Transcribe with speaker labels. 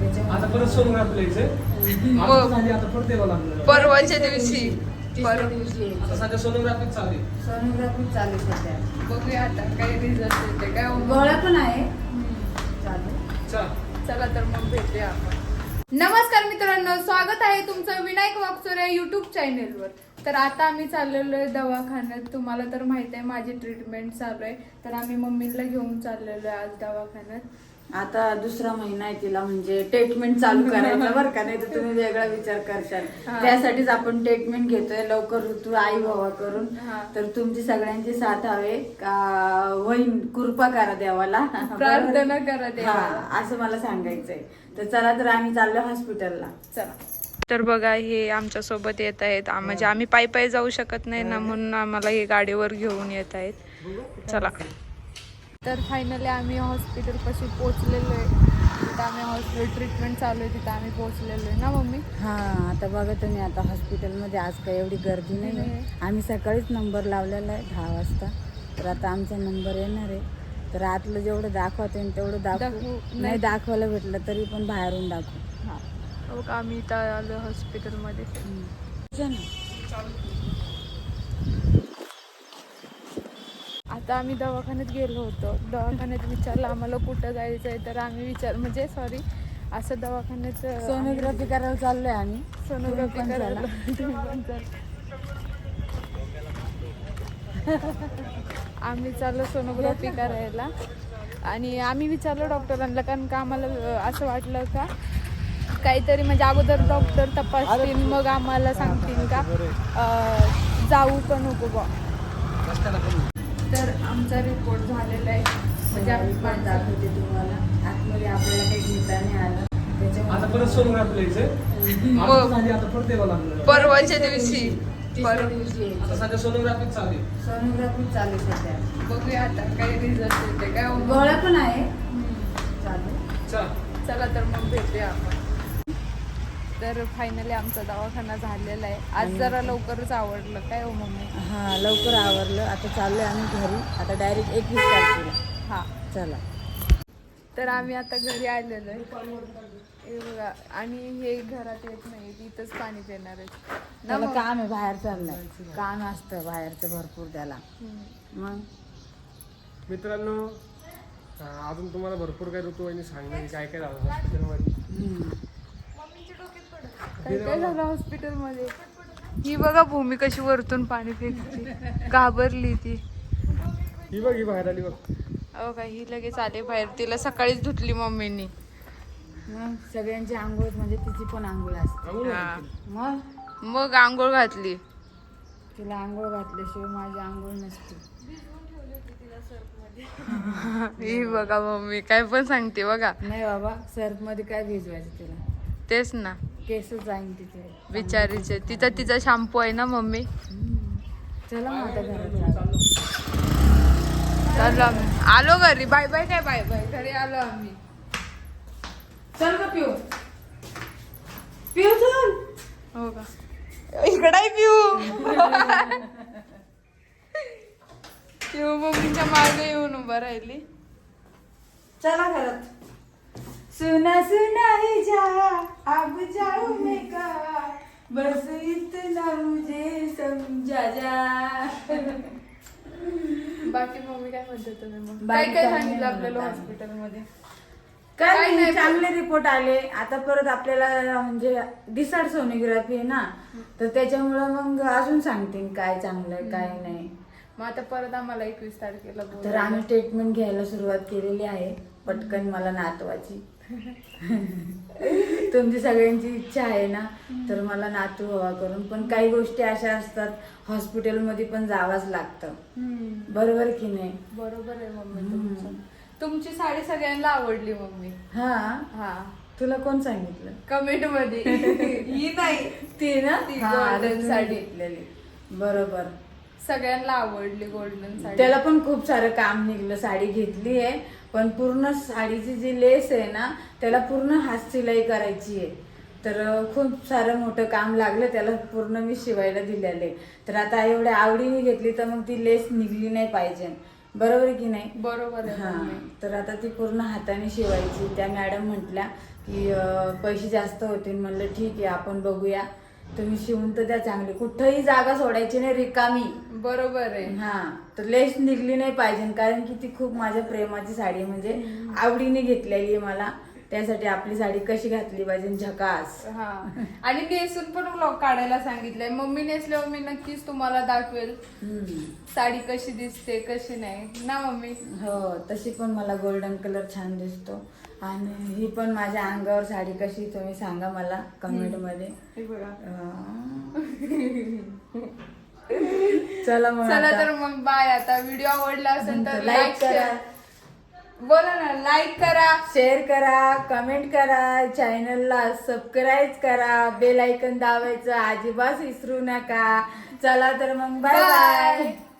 Speaker 1: आता परत सोनोग्राफी
Speaker 2: परवाच्या दिवशी
Speaker 1: आता सध्या सोनोग्राफी चालू आहे.
Speaker 3: सोनोग्राफी चालू सध्या.
Speaker 2: बघूया आता काही रिझल्ट येते काय
Speaker 3: गोळ्या पण आहे चालू.
Speaker 2: चला तर मग भेटूया आपण. नमस्कार मित्रांनो, स्वागत आहे तुमचं विनायक वाकचोरे युट्यूब चॅनेलवर. तर आता आम्ही चाललेलो आहे दवाखान्यात. तुम्हाला तर माहित आहे माझी ट्रीटमेंट चालू आहे, तर आम्ही मम्मीला घेऊन चाललेलो आहे आज दवाखान्यात.
Speaker 3: आता दुसरा महिना आहे तिला, म्हणजे ट्रीटमेंट चालू करायचं बरं का, नाही तर तुम्ही वेगळा विचार करशाल. त्यासाठीच आपण ट्रीटमेंट घेतोय लवकर ऋतू आई व्हावा करून. तर तुमची सगळ्यांची साथ हवे का होईन, कृपा करा देवाला,
Speaker 2: प्रार्थना करा देवाला.
Speaker 3: असं मला सांगायचंय. तर चला, तर आम्ही चाललो हॉस्पिटलला.
Speaker 2: चला. तर बघा हे आमच्या सोबत येत आहेत, म्हणजे आम्ही पायी पायी जाऊ शकत नाही ना, म्हणून आम्हाला हे गाडीवर घेऊन येत आहेत. चला. तर फायनली आम्ही हॉस्पिटल पाशी पोहोचलेलो आहे. तिथं आम्ही हॉस्पिटल ट्रीटमेंट चालू आहे, तिथं आम्ही पोहोचलेलो आहे ना मम्मी.
Speaker 3: हा, आता बघा तुम्ही, आता हॉस्पिटलमध्ये आज काही एवढी गर्दी नाही. आम्ही सकाळीच नंबर लावलेला आहे 10 वाजता. तर आता आमचा नंबर येणार आहे. तर आतलं जेवढं दाखवता येईल तेवढं दाखवू, नाही दाखवायला भेटलं तरी पण बाहेरून दाखवू.
Speaker 2: हा, हो का, आम्ही इथं आलो हॉस्पिटलमध्ये. आता आम्ही दवाखान्यात गेलो होतो. दवाखान्यात विचारलं आम्हाला कुठं जायचं आहे, तर आम्ही असं दवाखान्यात
Speaker 3: सोनोग्राफी करायला चाललोय आम्ही.
Speaker 2: सोनोग्राफी करायला. आम्ही चाललो सोनोग्राफी करायला. आणि आम्ही विचारलं डॉक्टरांना, कारण का आम्हाला असं वाटलं का काहीतरी, म्हणजे अगोदर डॉक्टर तपासतील मग आम्हाला सांगतील का जाऊ का नको बा. तर आमचा रिपोर्ट झालेला आहे, म्हणजे आम्ही
Speaker 3: दाखवते तुम्हाला. आतमध्ये आपल्याला काही घेता नाही आलं,
Speaker 1: आता परत सोनोग्राफी
Speaker 2: परवाच्या दिवशी.
Speaker 1: आता सध्या सोनोग्राफी चालू आहे.
Speaker 3: सोनोग्राफी चालू सध्या.
Speaker 2: बघूया आता काही रिझल्ट येते काय
Speaker 3: गोळ्या पण आहे चालू.
Speaker 2: चला तर मग भेटूया आपण. तर फायनली आमचा दवाखाना झालेला आहे. आज जरा लवकरच आवडलं काय हो मम्मी?
Speaker 3: हा, लवकर आवरलं. आता चाललोय आम्ही घरी. आता डायरेक्ट 21 तारखेला.
Speaker 2: हा,
Speaker 3: चला.
Speaker 2: तर आम्ही आता घरी आलेलो आहे. हे बघा, आणि हे घरात येत नाही, इथंच पाणी देणार आहे.
Speaker 3: त्याला काम आहे, बाहेर चाललंय. काम असतं बाहेरचं भरपूर त्याला. मग
Speaker 1: मित्रांनो, अजून तुम्हाला भरपूर काही ऋतुवाहिनी सांगणार काय काय झालं हॉस्पिटलमध्ये.
Speaker 2: काय काय झालं हॉस्पिटलमध्ये? ही बघा भूमी कशी वरतून पाणी फेकते, घाबरली ती.
Speaker 1: ही बघ, ही बाहेर आली बघ.
Speaker 2: हो का, ही लगेच आले बाहेर. तिला सकाळीच धुतली मम्मीनी.
Speaker 3: मग सगळ्यांची आंघोळ, म्हणजे तिची पण आंघोळ असते.
Speaker 2: हा.
Speaker 3: मग
Speaker 2: आंघोळ घातली.
Speaker 3: तिला आंघोळ घातल्याशिवाय माझी आंघोळ नसते.
Speaker 2: ही बघा मम्मी काय पण सांगते बघा.
Speaker 3: नाही बाबा, सर्फ मध्ये काय भिजवायचं तिला?
Speaker 2: तेच ना,
Speaker 3: केस जाईन तिथे
Speaker 2: बिचारीचे. तिचा शॅम्पू आहे ना मम्मी.
Speaker 3: चला मग आता घरात
Speaker 2: चाललो आम्ही. आलो घरी. Bye bye. काय बाय बाय, घरी आलो आम्ही.
Speaker 3: चल का पिऊ, पिऊ चल.
Speaker 2: हो का, इकडे पिऊ. पिऊ मम्मीच्या मागे येऊन उभा राहिली.
Speaker 3: चला घरात. सुना सुना ही जा, अब जाऊ मैं कहा, बस इतना मुझे समझा जा.
Speaker 2: बाकी मम्मी काय म्हणते तुम्ही मग?
Speaker 3: बाकी
Speaker 2: काय
Speaker 3: काय
Speaker 2: सांगितलं
Speaker 3: नाही
Speaker 2: आपल्याला
Speaker 3: म्हणत
Speaker 2: हॉस्पिटलमध्ये?
Speaker 3: काय नाही, चांगले रिपोर्ट आले. आता परत आपल्याला म्हणजे डिसाइड सोनोग्राफी आहे ना, तर त्याच्यामुळं मग अजून सांगतील काय चांगलं आहे काय नाही.
Speaker 2: मग आता परत आम्हाला 21 तारखेला
Speaker 3: तर आम्ही ट्रीटमेंट घ्यायला सुरुवात केलेली आहे. पटकन मला नातवाची. तुमची सगळ्यांची इच्छा आहे ना, तर मला नातू हवा करून. पण काही गोष्टी अशा असतात, हॉस्पिटलमध्ये पण जावंच लागतं. बरोबर की नाही?
Speaker 2: बरोबर आहे मम्मी. तुमची साडी सगळ्यांना आवडली मम्मी.
Speaker 3: हा
Speaker 2: हा,
Speaker 3: तुला कोण सांगितलं?
Speaker 2: कमेंट मध्ये. ही नाही,
Speaker 3: ती ना,
Speaker 2: ती
Speaker 3: हा,
Speaker 2: golden साडी.
Speaker 3: घेतलेली. बरोबर,
Speaker 2: सगळ्यांना आवडली गोल्डन साडी.
Speaker 3: त्याला पण खूप सारं काम निघलं. साडी घेतली आहे, पण पूर्ण साडीची जी लेस आहे ना, त्याला पूर्ण हात सिलाई करायची आहे. तर खूप सारं मोठं काम लागलं त्याला, पूर्ण मी शिवायला दिलेले. तर आता एवढ्या आवडीने घेतली तर मग ती लेस निघली नाही पाहिजे. बरोबर की नाही?
Speaker 2: बरोबर आहे.
Speaker 3: हा, तर आता ती पूर्ण हाताने शिवायची. त्या मॅडम म्हटल्या की पैसे जास्त होतील. म्हणलं ठीक आहे आपण बघूया, तुम्ही शिवून तर द्या चांगली, कुठंही जागा सोडायची नाही रिकामी.
Speaker 2: बरोबर आहे.
Speaker 3: हा तर लेस निघली नाही पाहिजे, कारण की ती खूप माझ्या प्रेमाची साडी, म्हणजे आवडीने घेतलेली आहे मला. त्यासाठी आपली साडी कशी घातली पाहिजे, झकास.
Speaker 2: हा आणि नेसून पण व्लॉग काढायला सांगितलंय. मम्मी नेसल्यावर मी नक्कीच तुम्हाला दाखवेल साडी कशी दिसते कशी नाही ना मम्मी.
Speaker 3: हो तशी पण मला गोल्डन कलर छान दिसतो. आणि ही पण माझ्या अंगावर साडी कशी, तुम्ही सांगा मला कमेंट मध्ये.
Speaker 2: हे बघा.
Speaker 3: चला मग
Speaker 2: चला
Speaker 3: आता.
Speaker 2: तर मग बाय. आता व्हिडिओ आवडला असेल तर
Speaker 3: लाईक
Speaker 2: लाईक
Speaker 3: करा,
Speaker 2: बोला ना, लाईक करा,
Speaker 3: शेअर करा, कमेंट करा, चॅनलला सबस्क्राईब करा, बेल आयकन दाबायचं अजिबात विसरू नका. चला तर मग बाय बाय.
Speaker 2: बाय.